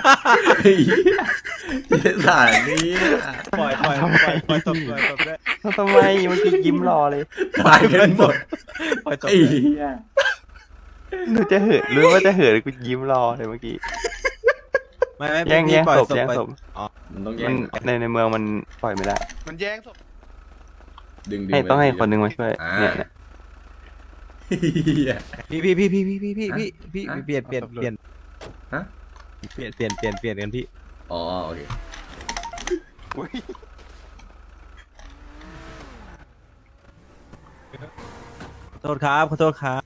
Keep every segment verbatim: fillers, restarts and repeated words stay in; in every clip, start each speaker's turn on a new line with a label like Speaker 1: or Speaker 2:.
Speaker 1: ไอ้เหี้ยเหี้ยสารนี้
Speaker 2: ปล่อยปล่อยปล่อยปล่อยตบปล่อยตบด้วย
Speaker 3: ทำไมเมื่อกี้ยิ้มรอเลย
Speaker 1: ตายกันหมด
Speaker 2: ปล่อยตบ
Speaker 1: ไอ้
Speaker 2: ด้วย
Speaker 1: เหี้ย
Speaker 3: หนูจะเหินรู้ว่าจะเหินกูยิ้มรอเลยเมื่อกี้
Speaker 2: ไม่ไม่
Speaker 3: แย่ง
Speaker 2: พี่
Speaker 3: แย่ง
Speaker 2: ปล่อย
Speaker 3: ศพ
Speaker 2: ตบ
Speaker 3: แย่ง
Speaker 2: ปล่อย
Speaker 3: ศพ
Speaker 2: อ๋อ
Speaker 1: มันต้องแย่
Speaker 3: มัน
Speaker 1: ง
Speaker 3: ในในเมืองมันปล่อยไม่ได้
Speaker 4: มันแย่งศพ
Speaker 1: ดึงดึง
Speaker 3: ให้ต้องให้คนหนึงมาช่วย
Speaker 1: อ่า
Speaker 3: เนี่ยเนี่ย
Speaker 1: เหี้ย
Speaker 2: พี่พี่พี่พี่พี่พี่พี่พี่พี่
Speaker 1: ฮะ
Speaker 2: เปลี่ยนเปลี่ยนเปลี่ยน
Speaker 1: ฮะ
Speaker 2: เปลี่ยนเปลี่ยนเปลี่ยนเปลี่ยนกันพี่
Speaker 1: อ๋อโอเค
Speaker 2: ขอโทษครับขอโทษครับ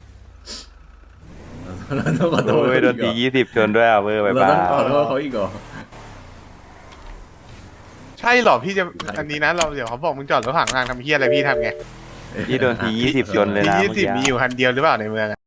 Speaker 1: เราต้องขอโทษ
Speaker 3: โอ้ยโดนตียี่สิบชนด้วยอ่ะเวอร์ไป
Speaker 1: เรา
Speaker 3: บ้า
Speaker 1: ต้องขอโทษเขาอีกเหรอ
Speaker 4: ใช่เหรอพี่จะอันนี้นะเราเดี๋ยวเขาบอกมึงจอดรถขวางทางทำเฮียอะไรพี่ทำไง
Speaker 3: พี่โดนตียี่สิบชนเลย
Speaker 4: ที
Speaker 3: นะ
Speaker 4: ยี่
Speaker 3: เมื่อ
Speaker 4: สิบ
Speaker 3: กี้
Speaker 4: มีอยู่คันเดียวหรือเปล่าในเมืองอะ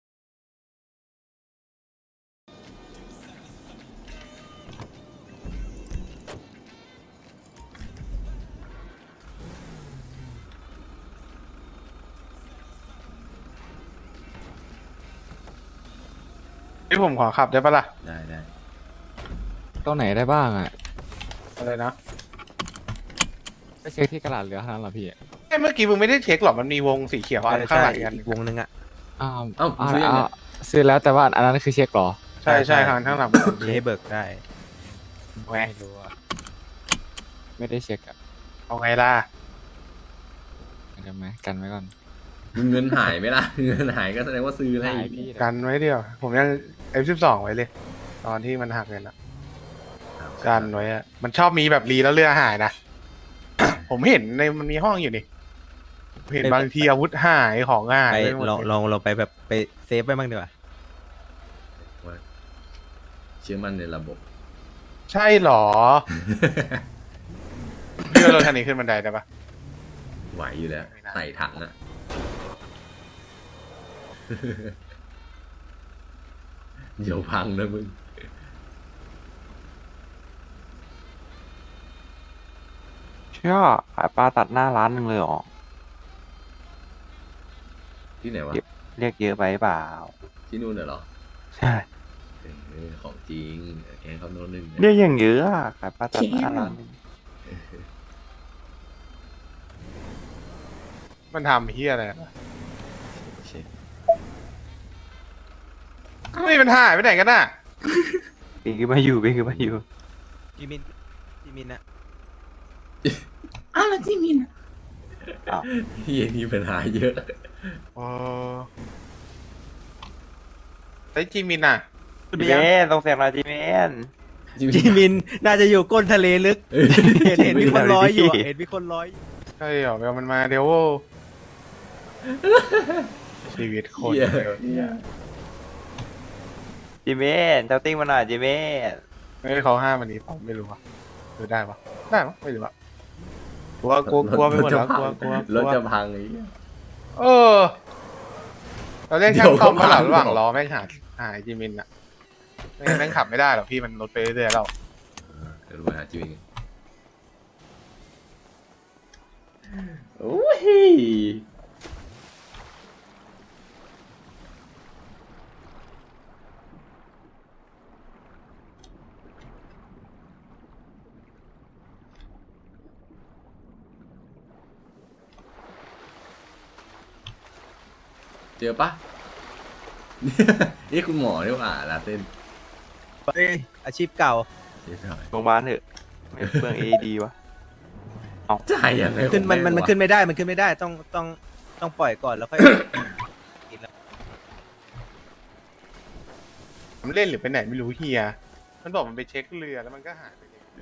Speaker 4: พี่ผมขอขับได้ปะล่ะ
Speaker 1: ได้ได้
Speaker 5: ตรงไหนได้บ้างอ่ะ
Speaker 4: อะไรนะ
Speaker 5: ไปเช็คที่กระดาษเหลือเท่านั้นเหรอพี่
Speaker 4: เอ้ยเมื่อกี้มึงไม่ได้เช็คหรอมันมีวงสีเขียวอันข้างหลังอีกอัน
Speaker 2: อีกวงหนึงอ่ะ
Speaker 5: อ้าว
Speaker 1: เอ้า
Speaker 5: อ้าว
Speaker 1: ซื้อยังไง
Speaker 5: อ้าวซื้อแล้วแต่ว่าอันนั้นคือเช็คเหรอ
Speaker 4: ใช่ใช่ข้างข้างหลัง
Speaker 2: มีให้เบิกได้
Speaker 4: แหวะ
Speaker 5: ไม่รู้อะไม่ได้เช็คอ่ะ
Speaker 4: เอาไงล่ะ
Speaker 5: กันไหมกันไว้ก่อน
Speaker 1: เงินหายไหมล่ะเงินหายก็แสดงว่าซื้อแล้ว
Speaker 5: หายพี่
Speaker 4: กันไว้เดียว ผมยัง เอฟ สิบสอง ไว้เลย ตอนที่มันหักเงินอะกันไว้อะมันชอบมีแบบรีแล้วเรือหายนะ ผมเห็นในมันมีห้องอยู่นี่ผมเห็นบางทีอาวุธหายของหาย
Speaker 2: ไป
Speaker 4: หมด
Speaker 2: ลองลองลองไปแบบไปเซฟไปบ้างดีกว่า
Speaker 1: ว่าเชื่อมั่นในระบบ
Speaker 4: ใช่เหรอ พี่ว่ารถคันนี้ขึ้นบันไดได้ปะ
Speaker 1: ไหวอยู่แล้วใส่ถังอะ เดี๋ยวพังนะมึง
Speaker 3: เชื่อขายปลาตัดหน้าร้านหนึ่งเลยเหรอ
Speaker 1: ที่ไหนวะ
Speaker 3: เรียกเยอะไปเปล่า
Speaker 1: ที่นู่นน่ะเหรอ
Speaker 3: ใช่
Speaker 1: เออของจริงแกงเขาโน้นหนึ่งนะ
Speaker 3: เรียกอย่างเยอะอะขายปลาตัดหน้าร้านหนึ่ง
Speaker 4: มันทำเฮียอะไรนะ
Speaker 1: เช็ค
Speaker 4: ไม่มันหายไปไหนกันน่ะ
Speaker 3: ปีขึ้นมาอยู่ปีขึ้นมาอยู่
Speaker 2: จิมินจิมินนะ
Speaker 6: อ้าวแล้วจิมิน
Speaker 1: เฮียนี่ปัญหาเยอะ
Speaker 4: โอ้ไอ้จิมินอ่ะ
Speaker 3: จีเมนต้องเสียงหน่อยจีเมน
Speaker 2: จิมินน่าจะอยู่ก้นทะเลลึก
Speaker 1: เออ
Speaker 2: เห็นเห็นมีคนร้อยอยู่อะเห็นมีคนร้อยอยู่
Speaker 4: ใช่เหรอเดี๋ยวมันมาเดี๋ยวโว้ ชีวิตคน
Speaker 1: เหี้ย
Speaker 4: เดียวเนี่ย
Speaker 3: จีเมนเจ้าติ้งมาหน่อยจีเมน
Speaker 4: ไม่ได้เขาห้ามอันนี้ผมไม่รู้อ่ะหรือได้ปะได้ปะไม่รู้อ่ะกลัวกลัวกลัวไปหมดแล้วกลัวกลัวก
Speaker 1: ร
Speaker 4: ลั
Speaker 1: ถ
Speaker 4: ว
Speaker 1: จะพังไอ้เหี้ย
Speaker 4: เออ เราเรียกช่างซ่อมมาหลังระหว่างล้อแม่งหาหายจิมินอ่ะไม่งั้นแม่งขับไม่ได้หรอกพี่มันรถไปเรื่อยๆแล้ว
Speaker 1: เดี๋ยวดูไปหาจิวเองโอ้ยเจอปะ นี่คุณหมอนี่หว่าลาเต้น
Speaker 2: เฮ้ยอาชีพเก่า
Speaker 1: เรียบร้อย
Speaker 3: โรงพยาบาลเถอะไม่เปลืองเอดีวะ
Speaker 1: จ่ายยังไง
Speaker 2: ขึ้นมัน
Speaker 1: ของ
Speaker 2: มันมัน
Speaker 1: แงวะ
Speaker 2: ขึ้นไม่ได้มันขึ้นไม่ได้ต้องต้องต้องปล่อยก่อนแล้วค่อย
Speaker 4: มันเล่นหรือไปไหนไม่รู้เฮียมันบอกมันไปเช็คเรือแล้วมันก็หายไปเลย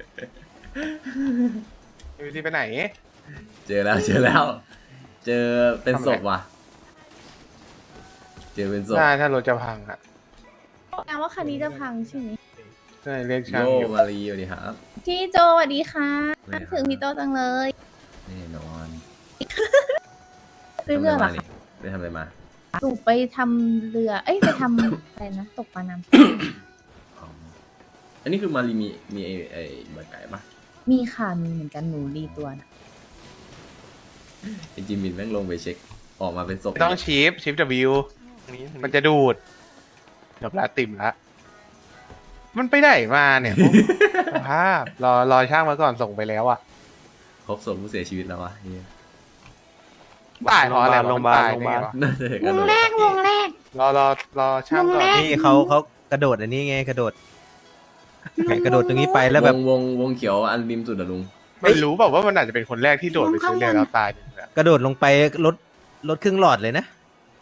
Speaker 4: เอวีซีไปไหน
Speaker 1: เจอแล้วเจอแล้ว เจอเป็นศพว่ะ เจอเป็นศพ
Speaker 4: ได้ถ้ารถจะพังอ่ะ
Speaker 6: แปลว่าคันนี้จะพังใช่ไหม
Speaker 4: ใช่เรียกช่าง
Speaker 1: โย
Speaker 4: อยู่
Speaker 1: มารีสวัสดีครับ
Speaker 6: พี่โจสวัสดีค่ะ
Speaker 1: สวัสดีครับ
Speaker 6: ถึงพี่โจจังเลย
Speaker 1: แน่นอน
Speaker 6: ซื้อเรือเหรอคะ
Speaker 1: ไปทำอะไรมา
Speaker 6: หนูไปทำเรือ เอ้ยไปทำ อะไรนะตกปลาน้
Speaker 1: อ๋ออันนี้คือมารีมีมีไอ้ไอ้ใบไก่ปะ
Speaker 6: ำมีค่ะมีเหมือนกันหนูรีตัวนะ
Speaker 1: ไอ้จิมมินแม่งลงไปเช็ค ออกมาเป็นศพ
Speaker 4: ไม่ต้องชิปชิป W มันจะดูดจบละติ่มละมันไปไหนมาเนี่ย สภาพรอรอช่างมาก่อนส่งไปแล้วอ่ะ
Speaker 1: พบศพผู้เสียชีวิตแล้ววะเฮีย
Speaker 4: ตายเพราะอะไรวะ
Speaker 3: โรงพยาบาล
Speaker 4: ตาย
Speaker 3: โรงพยาบาล
Speaker 4: ได้ไงวะ
Speaker 1: น่าจะเห็น
Speaker 6: ว
Speaker 1: กัน
Speaker 6: ง
Speaker 1: เลย
Speaker 6: แรกวงแรก
Speaker 4: รอรอรอช่างก่อน
Speaker 6: วงแรก
Speaker 2: นี่เขาเขากระโดดอันนี้ไงกระโดดไงกระโดดตรงนี้ไปแล้วแบบ
Speaker 1: วงวงวงเขียวอันริมสุดอะลุง
Speaker 4: ไม่รู้แบบว่ามันอาจจะเป็นคนแรกที่โดดไปซื้อเรือแล้วตายจริงๆอะ
Speaker 2: กระโดดลงไปลดลดครึ่งหลอดเลยนะ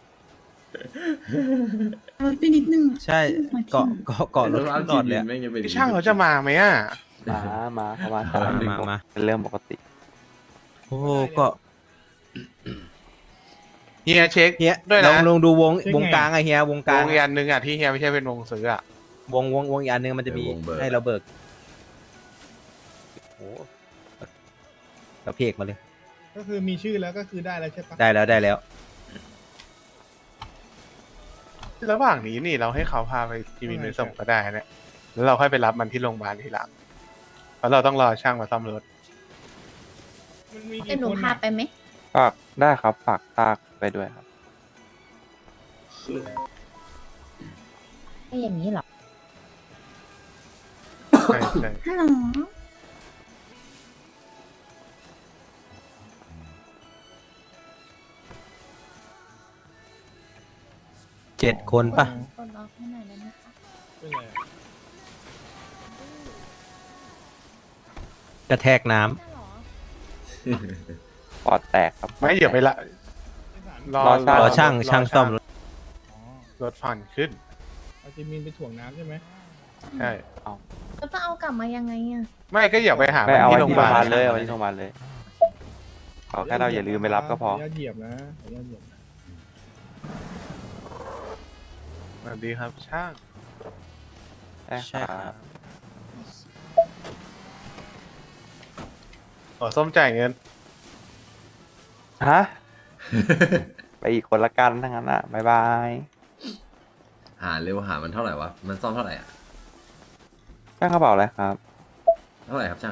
Speaker 6: ลดไปนิดนึง
Speaker 2: ใช่เกาะเกาะเกาะลดครึ่งหลอดเลยอะ
Speaker 1: แม่งจะเป็น
Speaker 4: พี่ช่างเขาจะมาไหมอ่ะ
Speaker 3: มามาเข้ามา
Speaker 2: มามามา
Speaker 3: เป็นเรื่องปกติ
Speaker 2: โอ้โหเกาะ
Speaker 4: เฮียเช็ค
Speaker 2: เฮีย
Speaker 4: ด้วย
Speaker 2: ล
Speaker 4: นะ
Speaker 2: องลองดูวงวงกลางอะเฮียวงก
Speaker 4: ว
Speaker 2: ลาง
Speaker 4: งอีกอันหนึงอ่ะที่เฮียไม่ใช่เป็นวงซื้ออ่ะ
Speaker 2: วงวงวงอีกอันหนึงมันจะมีให้เราเบิกโอ้โหเราเพกมาเลย
Speaker 7: ก็คือมีชื่อแล้วก็คือได้แล้วใช่ปะ
Speaker 2: ได้แล้วได้แล้ว
Speaker 4: ระหว่างนี้นี่เราให้เขาพาไปจีมินไปส่งก็ได้เนี่ยแล้วเราค่อยไปรับมันที่โรงพยาบาลทีหลังเพราะเราต้องรอช่างมาซ่อมรถ
Speaker 7: มันมี
Speaker 6: เดี๋ย
Speaker 7: กี่
Speaker 6: วหนู
Speaker 7: คน
Speaker 6: พา
Speaker 7: อะ
Speaker 6: ไปไหม
Speaker 3: ฝากได้ครับฝากตากไปด้วยครับ
Speaker 6: ก็อย่างนี้เหรอ
Speaker 4: ใช่ใช่
Speaker 6: ฮัลโหล
Speaker 2: เจ็ดคนปะ
Speaker 6: กดล็อกให้หน่อยได้ไหมคะ
Speaker 7: เป็นไง
Speaker 2: กระแทกน้ำ
Speaker 6: ใช่เหรอ
Speaker 3: ปอดแตกครับ
Speaker 4: ไม่เดี๋ยวไปละรอ
Speaker 2: รอช่างช่างซ่อมรถ
Speaker 7: อ๋อ
Speaker 4: รถฟันขึ้น
Speaker 7: เอาจิมินไปถ่วงน้ำใช่ไหม
Speaker 4: ใช่
Speaker 6: แล้วจะเอากลับมายังไงอ่ะ
Speaker 4: ไม่ก็อย่าไปหา
Speaker 3: ไม่เอา
Speaker 4: ที่
Speaker 3: ไว้
Speaker 4: โรงพ
Speaker 3: ที่โรงพยาบา
Speaker 4: ยาบา
Speaker 3: ล
Speaker 4: ล
Speaker 3: เลยเอาไว้ที่โรงพยาบาลเลยขอแค่เราอย่าลืมไปรับก็พอ
Speaker 7: ขออนุญาตเหยียบนะขออนุญาตเหยียบนะ
Speaker 4: สวัสดีครับช่าง
Speaker 3: ใช่ครับ
Speaker 4: ขอส้มจ่ายเงิน
Speaker 3: ฮะ ไปอีกคนละกันทั้งนั้นอ่ะบายบาย
Speaker 1: หาเร็วหามันเท่าไหร่วะมันซ่อมเท่าไหร่อะ
Speaker 3: ช่างกระเป๋าอะไรครับ
Speaker 1: เท่าไหร่ครับช่าง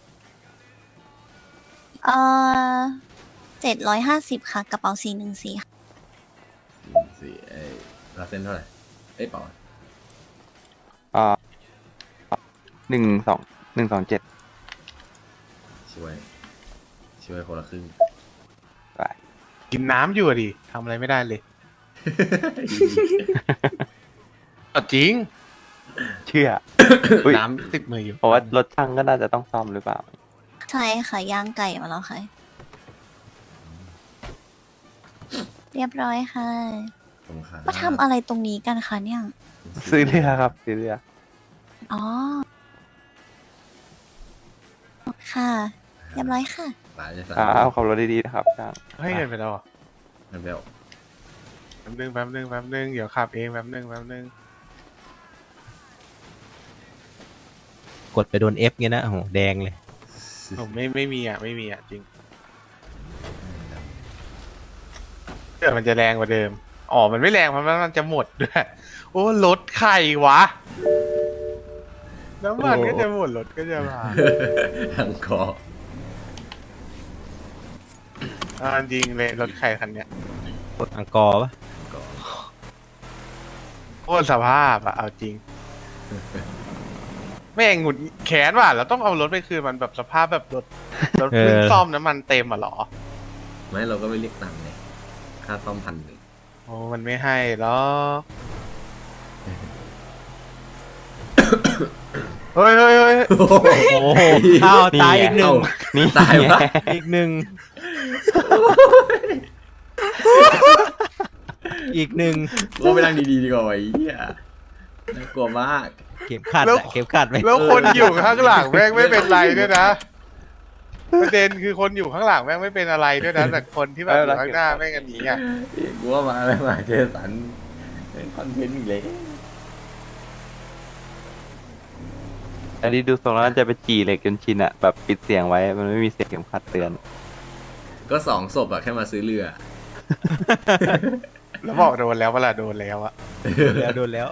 Speaker 8: เอ่อเจ็ดร้อยห้าสิบค่ะ กระเป๋าสี่หนึ่งสี่ค่ะ
Speaker 1: สี่เอ้ยลาเส้นเท่าไหร่เอ้ยเปล่า
Speaker 3: อ่าหนึ่งสองหนึ่งสองเจ็ด
Speaker 1: ช่วย ช่วยคนละครึ่ง
Speaker 3: ไป
Speaker 4: กินน้ำอยู่อะดิทำอะไรไม่ได้เลยเอาจริง
Speaker 3: เชื่อ อุ๊ย
Speaker 4: น้ำติดมืออยู่
Speaker 3: เพราะว่ารถช่างก็น่าจะต้องซ่อมหรือเปล่า
Speaker 8: ใช่ค่ะย่างไก่มาแล้วค่ะ เรียบร้อยค่ะ
Speaker 1: ตรงขา
Speaker 8: มาทำอะไรตรงนี้กันคะเนี่ย
Speaker 3: ซื้อเรือครับ ซื้อเรือ
Speaker 8: อ๋อ ค่ะ เรียบร้อยค่ะ
Speaker 1: หลายจะ
Speaker 3: ค
Speaker 1: สั่
Speaker 3: รับขับรถดีๆนะครับช่าง
Speaker 4: ให้เงินไปแล้วเหรอ
Speaker 1: มันเบล
Speaker 4: แป๊บนึงแป๊บนึงแป๊บนึงเดี๋ยวขับเองแป๊บนึงแป๊บนึง
Speaker 2: กดไปโดน F เงี้ยนะโอ้โหแดงเลย
Speaker 4: ผมไม่ไม่มีอ่ะไม่มีอ่ะจริงเดี๋ยวมันจะแรงกว่าเดิมอ๋อมันไม่แรงเพราะมันจะหมดด้วยโอ้รถใครวะน้ำมันก็จะหมดรถก็จะมา
Speaker 1: ทั้งคอ
Speaker 4: อ่าจริงเลยรถใครคันเนี้ย
Speaker 2: กดอังกอร์ปะ
Speaker 4: โคตรสภาพอะเอาจริง แม่งหงุดแขนว่ะเราต้องเอารถไปคืนมันแบบสภาพแบบรถรถเพิ่งซ่อมน้ำมันเต็มอ่ะเหรอ
Speaker 1: ไม่เราก็ไม่เรียกตังค์ไงค่าซ่อมพันหนึ่ง
Speaker 4: โอ้มันไม่ให้หรอก เฮ้ยเฮ้ยเฮ้ย
Speaker 2: โอ้โหอ้าวตายอีกหนึ่ง
Speaker 3: นี่
Speaker 1: ตายวะ
Speaker 2: อีกหนึ่งอีกหนึ่ง
Speaker 1: ก็ไปนั่งดีๆดีกว่าไอ้เหี้ยน่ากลัวมาก
Speaker 2: เข็มขัดอะเข็มขัดไหม
Speaker 4: แล้วคนอยู่ข้างหลังแม่งไม่เป็นไรด้วยนะประเด็นคือคนอยู่ข้างหลังแม่งไม่เป็นอะไรด้วยนะแต่คนที่แบบอยู่ข้างหน้าแม่งกันหนีอ่ะ
Speaker 1: กูว่ามาแล้วมาเจสันเป็นคอนเทนต์อีกเลย
Speaker 3: อันนี้ดูทรงแล้วน่าจะไปจีเหล็กจนชินอะแบบปิดเสียงไว้ มันไม่มีเสียงเข็มขัดเตือน
Speaker 1: ก็สองศพอะแค่มาซื้อเรือ
Speaker 4: แล้วบอกโดนแล้วเวลาโดนแล้วอะ
Speaker 2: แล้วโดนแล้ว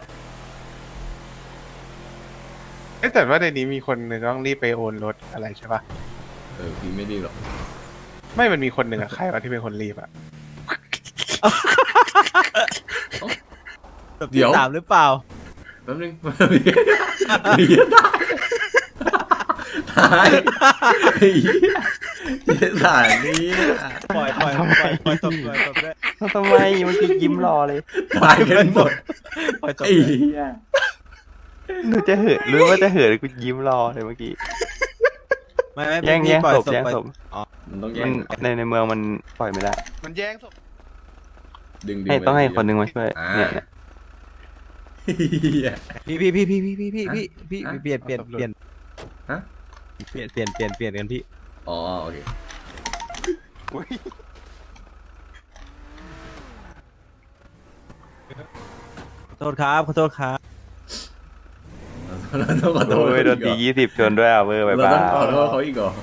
Speaker 4: เอ้ยแต่ว่าในนี้มีคนหนึ่งต้องรีบไปโอนรถอะไรใช่ปะ
Speaker 1: เออพี่ไม่ดีหรอก
Speaker 4: ไม่มันมีคนหนึ่งอะใครวะที่เป็นคนรีบอะ
Speaker 2: ศพที่สามหรือเปล่า
Speaker 1: แป๊บนึงมีตายตายไอ้เหี้ยเหี้ยสารนี้
Speaker 2: ปล่อยปล่อยปล่อยปล่อยตบปล่อยตบด้วย
Speaker 3: ทำไมเมื่อกี้ยิ้มรอเลย
Speaker 1: ตายกันหมด
Speaker 2: ปล่อยตบ
Speaker 1: ไอ้
Speaker 2: ด้วย
Speaker 1: เหี้ย
Speaker 3: หนูจะเหินรู้ว่าจะเหินกูยิ้มรอเลยเมื่อกี้
Speaker 2: ไม่ไม่
Speaker 3: แย่ง
Speaker 2: พี่
Speaker 3: แย่ง
Speaker 2: ปล่อย
Speaker 3: ศพ
Speaker 2: ศพ
Speaker 3: แย่ง
Speaker 2: ปล่อย
Speaker 3: ศพ
Speaker 1: มันต้องแย่
Speaker 3: มัน
Speaker 1: ง
Speaker 3: ในในเมืองมันปล่อยไม่ได้
Speaker 4: มันแย่งศพ
Speaker 1: ดึงดึง
Speaker 3: ให้ต้องให้คนหนึงมาช่วย
Speaker 1: อ่า
Speaker 3: เนี่ยเนี่ย
Speaker 1: เหี้ย
Speaker 2: พี่พี่พี่พี่พี่พี่พี่พี่พี่
Speaker 1: ฮะ
Speaker 2: เปลี่ยนเปลี่ยนเปลี่ยน
Speaker 1: ฮะ
Speaker 2: เปลี่ยนเปลี่ยนเปลี่ยนเปลี่ยนกันพี่
Speaker 1: อ๋อโอเค
Speaker 2: ขอโทษครับขอโทษครับ
Speaker 1: เราต้องขอโทษ
Speaker 3: โอ้ยโดนตียี่สิบชนด้วยอ่ะเวอร์ไป
Speaker 1: เรา
Speaker 3: บ้า
Speaker 1: ต้องขอโทษเขาอีกเหรอ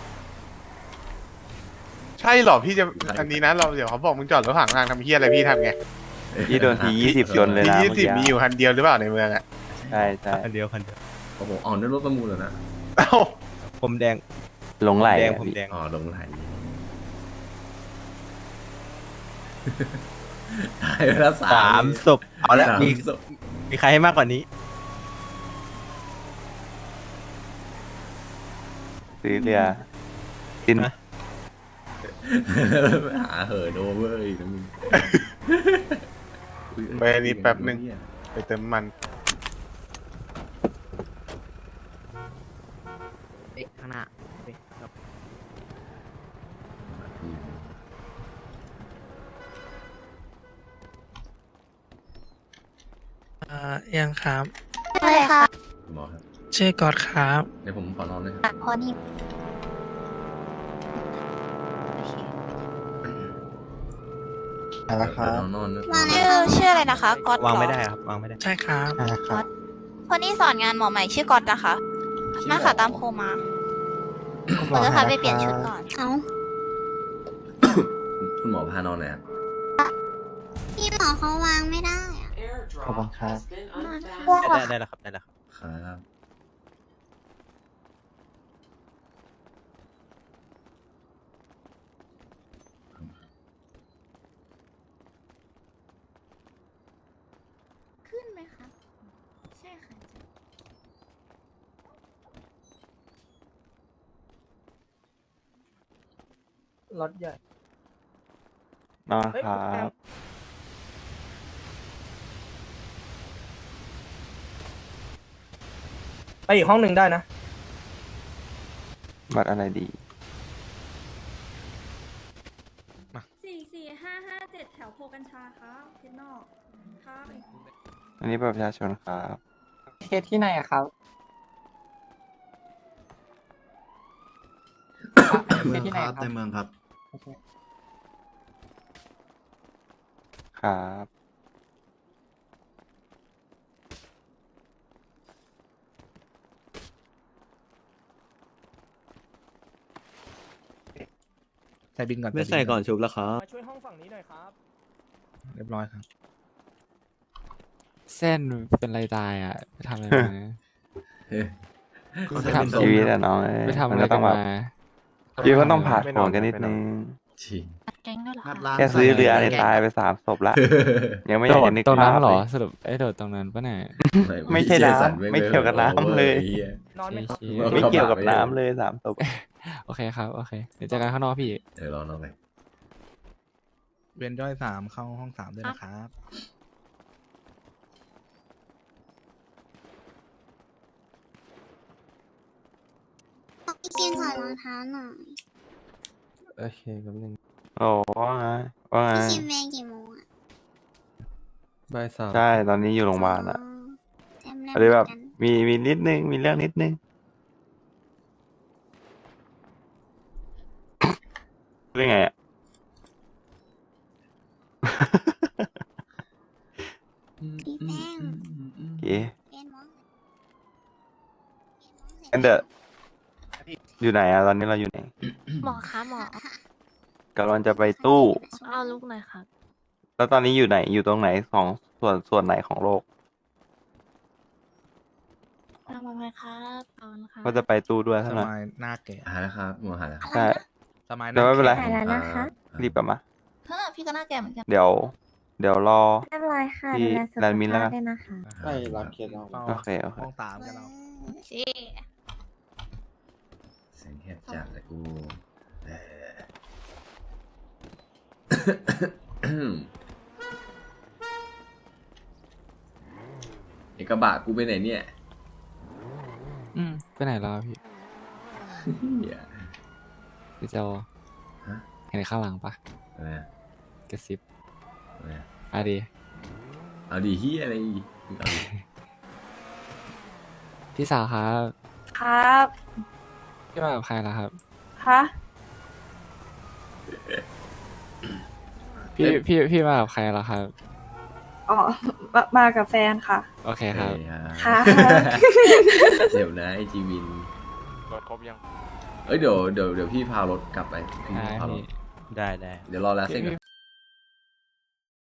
Speaker 4: ใช่เหรอพี่จะอันนี้นะเราเดี๋ยวเขาบอกมึงจอดรถขวางทางทำเฮียอะไรพี่ทำไง
Speaker 3: พี่โดนทียี่สิบชนเลย
Speaker 4: ที่
Speaker 3: นะ
Speaker 4: ยี่
Speaker 3: เมื่อ
Speaker 4: สิบ
Speaker 3: กี้
Speaker 4: มีอยู่คันเดียวหรือเปล่าในเมืองอ่ะ
Speaker 3: ใช่ใช่
Speaker 2: คันเดียวคันเดียว
Speaker 1: โอ้โหอ๋อนั่นรถประมูลเหรอนะ
Speaker 4: เอ้า
Speaker 2: ผมแดง
Speaker 3: หลงไหล
Speaker 2: แดง
Speaker 3: อะ
Speaker 2: ผม
Speaker 3: พี่
Speaker 2: แดง
Speaker 1: อ๋อลงไหลตายไปแล้วสาม
Speaker 2: สามศพเอาละ
Speaker 1: สาม
Speaker 2: มี
Speaker 1: ศพ
Speaker 2: มีใครให้มากกว่านี้
Speaker 3: ซื้อเรือดิน
Speaker 2: ฮะ
Speaker 1: หาเหอะโดเวอร์อีกนะมึง
Speaker 4: ไปอันนี้แป๊บนึงไปเติมมัน
Speaker 5: ข้างหน้า
Speaker 9: อ่ายังครับ
Speaker 8: ใช่ค่ะ
Speaker 1: คุณหมอครับ
Speaker 9: ชื่อกอดครับ
Speaker 1: เดี๋ยวผมขอนอนเลยครับ
Speaker 8: พอนี่
Speaker 2: อะไรครับ
Speaker 1: นอนนอนนะ
Speaker 8: ชื่อชื่ออะไรนะคะก๊อต
Speaker 2: วางไม่ได้ครับวางไม่ได้
Speaker 9: ใช่ครับ
Speaker 8: ก๊อตคนที่สอนงานหมอใหม่ชื่อก๊อตนะคะมาค่ะตามโคมาเราจะพาไปเปลี่ยนชุดก่อน เอ้า
Speaker 1: คุณหมอพานอนหน่อยครับ
Speaker 8: พี่หมอเขาวางไม่ได้อะ
Speaker 2: ขอบคุณครับ
Speaker 8: พวก
Speaker 2: ได้ได้แล้วครับได้แล้วครับ
Speaker 1: ครับ
Speaker 6: ขึ้นไหมคะ ใช่ค่ะ
Speaker 9: รถใหญ่
Speaker 3: นอนครับ
Speaker 9: ไปอีกห้องหนึ่งได้นะ
Speaker 3: บัตรอะไรดี
Speaker 6: สี่สี่ห้าห้าเจ็ดแถวโพกัญชาครับเทนนอกครับ
Speaker 3: อันนี้บัตรประชาชนครับ
Speaker 5: เคสที่ไหนอะครับ
Speaker 10: เมืองครับในเมืองครับ
Speaker 3: ครับ
Speaker 7: ใส่บินก่อน
Speaker 2: ไม่ใส่ก่อนชุบแล้วครับ
Speaker 9: มาช่วยห้องฝั่งนี้หน่อยครับ
Speaker 7: เรียบร้อยครับ
Speaker 5: เส้นเป็นไรตายอ่ะไปทำอะไรมา
Speaker 1: เฮ้ย
Speaker 5: ไปทำ
Speaker 3: ชีวิตอะน้องเอ้ย
Speaker 5: ไปทำ
Speaker 3: มั
Speaker 5: อะ
Speaker 3: น
Speaker 5: ไร
Speaker 3: ก็
Speaker 5: กั
Speaker 3: ต้อน งแบ
Speaker 5: มา
Speaker 3: บชีวิตก็ต้องผ่านผลกันนิดนึง
Speaker 1: ชิง
Speaker 8: เจ๊งด้วยเหรอ
Speaker 10: งัด
Speaker 8: คะ
Speaker 10: ร้าน
Speaker 3: แค่ซื้อเรือเนี่ยตายไปสามศพละ ยังไม่อ
Speaker 5: โด
Speaker 3: ยาก
Speaker 5: ด
Speaker 3: จะนึก
Speaker 5: ตรงนั้
Speaker 3: ภาน พ
Speaker 5: เหร
Speaker 3: เล
Speaker 5: อย สรุปไอ้โดดตรงนั้นปะเนี่ย
Speaker 3: ไม่ใช่น้ำไม่เกี่ยวกับน้ำเลย
Speaker 1: ไอ้หี้
Speaker 9: นอนไหมครับ
Speaker 5: ชี้
Speaker 3: ไม่เกี่ยวกับน้ำเลยสามศพ
Speaker 5: โอเคครับ โอเค เดี๋ยวเจอกันข้างนอกพี่
Speaker 1: เดี๋ยวรอนอนไป
Speaker 7: เวนย่อยสามเข้าห้องสามด้วยนะครับ
Speaker 8: พี่กินถอดรองเท้าหน่อย
Speaker 3: โอเคกับหนึ่งโอ้ว่าไงว่าไง
Speaker 8: พี่กินเวรกี่โมงอะ
Speaker 2: ใบสาม
Speaker 3: ใช่ตอนนี้อยู่โรงพยาบาลอะ
Speaker 8: เต็มเลย
Speaker 3: อะไรแบบ
Speaker 8: เหมือนกัน
Speaker 3: มีมีนิดนึงมีเรื่องนิดนึงเรื่องไงอะ
Speaker 8: พี่แป้ง
Speaker 3: โอเค
Speaker 8: เรียนหมอ
Speaker 3: งั้นเดอะอยู่ไหนอะตอนนี้เราอยู่ไหน
Speaker 6: หมอคะหมอก
Speaker 3: ำลังจะไปตู้
Speaker 6: เอาลูกหน่อยครับ
Speaker 3: แล้วตอนนี้อยู่ไหนอยู่ตรงไหนของส่วนส่วนไหนของโลก
Speaker 6: ทำอะไรครับตอนค่ะ
Speaker 3: ก็จะไปตู้ด้วย
Speaker 7: ส
Speaker 3: เท่านั้น
Speaker 7: มัยหน้าแก่
Speaker 1: หาแล้วครับหมอหาแล้วครับ
Speaker 3: ใช่
Speaker 7: สมัยห
Speaker 3: แต่
Speaker 7: น้า
Speaker 3: ไม่เป็นไร
Speaker 7: แก่
Speaker 6: หายแล้วนะคะ
Speaker 3: รีบกลับมา
Speaker 8: เฮ้อพี่ก็น่าแก่เหมือนกัน
Speaker 3: เดี๋ยวเดี๋ยวรอ
Speaker 6: เรียบร้อยค่ะ
Speaker 3: ที่
Speaker 6: ดูแลสุข
Speaker 3: แลนด์มินแล้ว
Speaker 6: ภา
Speaker 3: กั
Speaker 6: พ
Speaker 3: น
Speaker 6: ด้วยนะคะ
Speaker 7: ไปรับเคสเรา
Speaker 3: โอเคโอเค
Speaker 7: ห้องสามกันเรา
Speaker 8: เชี่
Speaker 1: เสียงแคบจัดเลยกูเออ เอกระบะกูไปไหนเนี่ย
Speaker 5: อืมไปไหนแล้วพี่
Speaker 1: เหี้ย
Speaker 5: พี่โจ
Speaker 1: ฮะ
Speaker 5: เห็นข้างหลังปะ
Speaker 1: อะไรอะ
Speaker 5: กระซิบ
Speaker 1: อะไรอะ
Speaker 5: อะดี
Speaker 1: เอาดีเฮียอะไรอีกเอาดิ
Speaker 5: พี่สาวครับ
Speaker 6: ครับ
Speaker 5: พี่มากับใครล่ะครับ
Speaker 6: คะ
Speaker 5: พี่พี่พี่มากับใครล่ะครับ
Speaker 6: อ๋อมามากับแฟนค่ะ
Speaker 5: โอเคครับ
Speaker 1: เฮ้ยฮะ
Speaker 6: ค่ะ
Speaker 1: เดี๋ยวนะไอจีวิน
Speaker 3: รถครบยัง
Speaker 1: เอ้ยเดี๋ยวเดี๋ยวเดี๋ยวพี่พารถกลับไปพี่
Speaker 5: ได้
Speaker 1: พารถ
Speaker 5: พี่
Speaker 3: ได้ได้
Speaker 1: เดี๋ยวรอแล้วเส้นก่อน